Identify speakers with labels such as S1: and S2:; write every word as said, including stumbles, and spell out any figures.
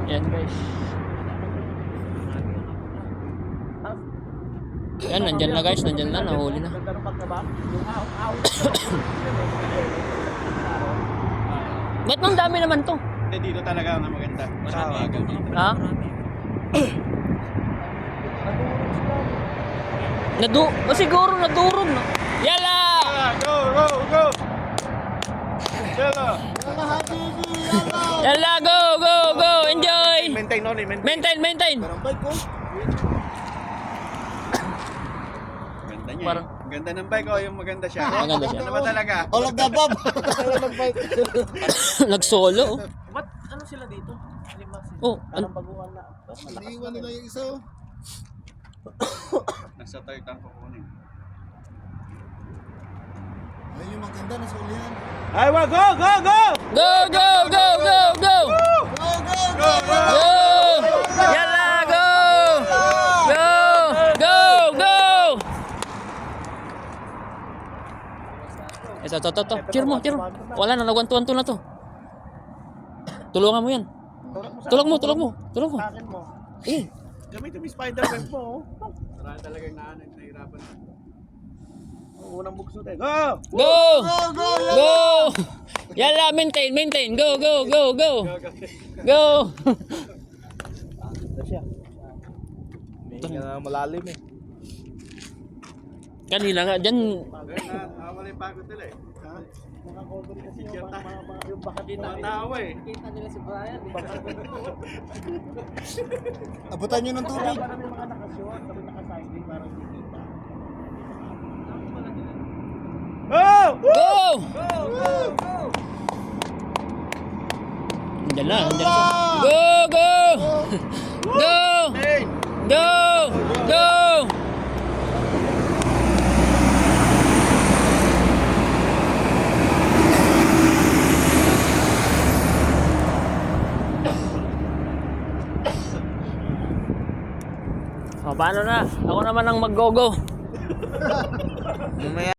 S1: Yan guys. Yan, nandyan na guys, nandyan na, nahuli na. Ba't nang dami naman to?
S2: Hindi, dito talaga ang maganda. Sa agaw dito.
S1: Ha? Nadu... O siguro nadurog no? Yala!
S2: Ah, go, go, go! Yala!
S1: Yala, go, go, go! Enjoy!
S2: Maintain no, maintain.
S1: Maintain, maintain!
S2: Ganda niya.
S1: Parang-
S2: eh. Ganda ng bike oh, yung maganda siya.
S1: Maganda siya.
S2: Ano ba talaga?
S3: All of the above.
S1: Nagsolo. Oh.
S4: Ba't ano sila dito? Lima sila.
S1: Oh, an-
S4: Baguhan na.
S3: Iniiwan nila yung isa oh.
S2: Nasa third tank ko kunin.
S3: Ayun yung maganda na sulihan.
S2: Ay, wa go, go, go!
S1: go, go, go, go, go!
S3: Go, go, go!
S1: Go! Yala, go! Go! Go! Go! Ito, ito, ito, ito. Cheer mo, cheer mo. Wala na, nagwantuan to na to. Tulungan mo yan. Tulong mo, tulong mo. Tulong mo.
S4: Akin mo.
S1: Eh,
S2: Gamitin mo yung spider web mo. Marami talaga yung naan, nahirapan. Ang unang bugso tayo. Go!
S1: go! Go! Yala, maintain, maintain. Go, go, go, go. Go!
S4: Ito siya. May uh, malalim eh.
S1: Kanina nga, dyan.
S2: Nawala yung pagod nila eh. Ha?
S4: Mga cover kasi yung, mga, mga, mga, yung baka din
S2: Mga tao eh.
S4: Kita nila si Brian. Baka
S3: Abutan nyo ng tubig.
S4: Kaya parang may mga nakasuot. Tapos nakasiding parang hindi kita.
S2: Go!
S1: Go! Andyan na, andyan na siya. Go, go! Go!
S2: Hey!
S1: Go! Go! O, paano na? Ako naman ang mag-go-go.